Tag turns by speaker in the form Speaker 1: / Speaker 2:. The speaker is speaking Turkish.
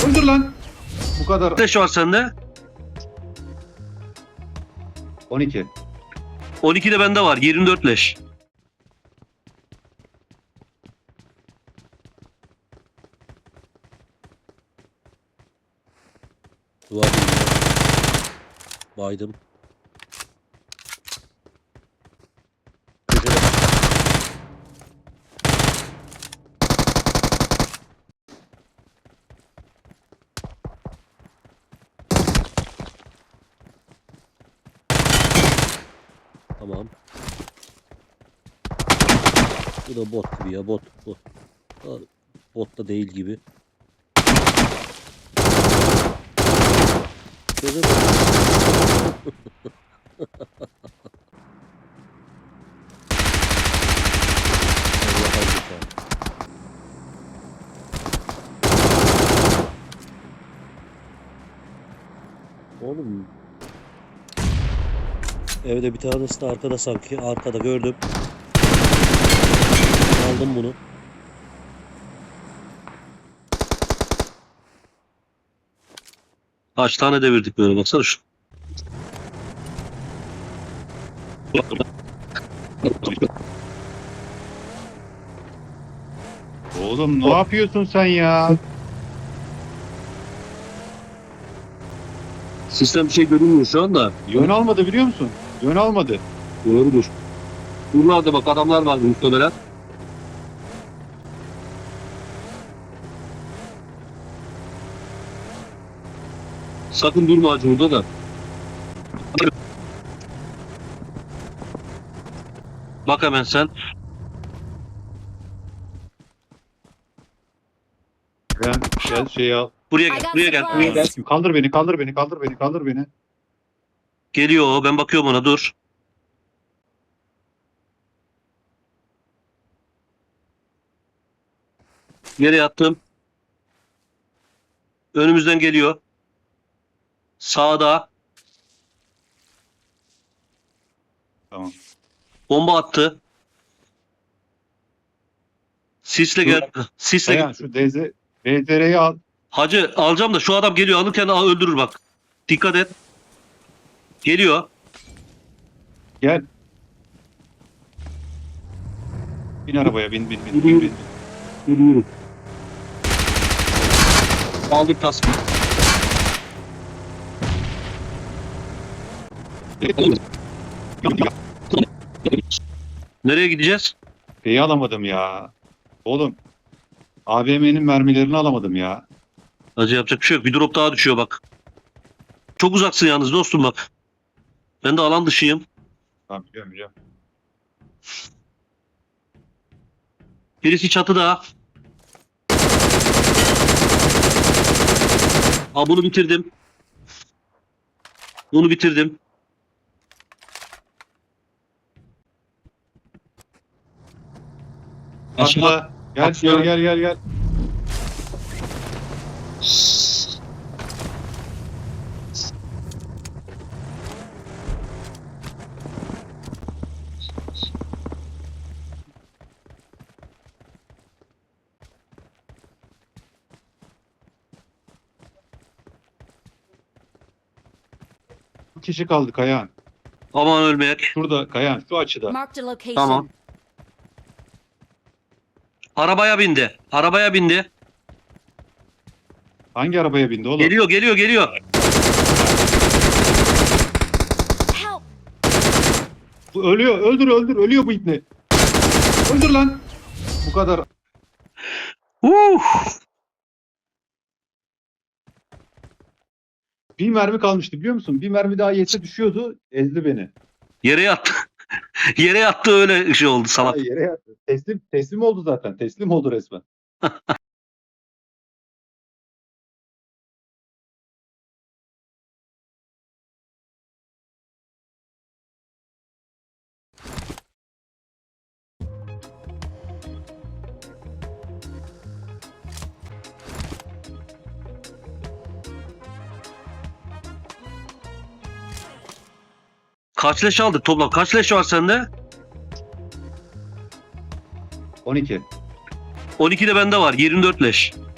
Speaker 1: Öldür lan. Bu kadar.
Speaker 2: Leş var sende.
Speaker 1: 12.
Speaker 2: 12 de bende var. 24 leş.
Speaker 3: Duvar dibinde. Baydım. Köşede. Tamam. Bu da bot gibi ya, bot. Bot da değil gibi. Köşede. Allah'a emanet. Oğlum. Evde bir tanesi de arkada sanki. Arkada gördüm. Aldım bunu.
Speaker 2: Kaç tane devirdik böyle, baksana şu.
Speaker 1: Oğlum ne yapıyorsun sen ya?
Speaker 2: Sistem bir şey görünmüyor şu anda.
Speaker 1: Yön almadı biliyor musun? Yön almadı.
Speaker 2: Doğrudur. Buralarda bak adamlar var muhtemelen. Sakın durma hacı burada da. Bak hemen sen.
Speaker 1: Ben gel şeyi al.
Speaker 2: Buraya gel, buraya gel, buraya gel.
Speaker 1: Kaldır beni, kaldır beni, kaldır beni, kaldır beni.
Speaker 2: Geliyor o, ben bakıyorum ona, dur. Yere yattım. Önümüzden geliyor. Sağda.
Speaker 1: Tamam.
Speaker 2: Bomba attı. Sisle gel. Sisle
Speaker 1: Dayan
Speaker 2: gel.
Speaker 1: şu DZR'yi al.
Speaker 2: Hacı alacağım da şu adam geliyor. Alırken öldürür bak. Dikkat et. Geliyor.
Speaker 1: Gel. Bin arabaya, bin.
Speaker 2: Yürüyorum. Aldık tasbih. Nereye gideceğiz?
Speaker 1: Şeyi alamadım ya. Oğlum. AVM'nin mermilerini alamadım ya.
Speaker 2: Hacı yapacak bir şey yok. Bir drop daha düşüyor bak. Çok uzaksın yalnız dostum bak. Ben de alan dışıyım.
Speaker 1: Tamam biliyorum.
Speaker 2: Birisi çatıda. Aa, bunu bitirdim. Bunu bitirdim.
Speaker 1: Atla. Gel,
Speaker 2: Atla.
Speaker 1: gel. Bir kişi kaldı Kayahan.
Speaker 2: Aman ölmeyek.
Speaker 1: Şurada Kayahan, şu açıda.
Speaker 4: Marked a location.
Speaker 2: Tamam. Arabaya bindi. Arabaya bindi.
Speaker 1: Hangi arabaya bindi oğlum?
Speaker 2: Geliyor.
Speaker 4: Help!
Speaker 1: Bu ölüyor, öldür, ölüyor bu ibne. Öldür lan. Bu kadar. Bir mermi kalmıştı biliyor musun? Bir mermi daha yetse düşüyordu, ezdi beni.
Speaker 2: Yere yattı. Yere yattı, öyle şey oldu salak.
Speaker 1: Ay, yere yattı. Teslim oldu zaten. Teslim oldu resmen.
Speaker 2: Kaç leş aldık toplam? Kaç leş var sende?
Speaker 1: 12.
Speaker 2: 12 de bende var. 24 leş.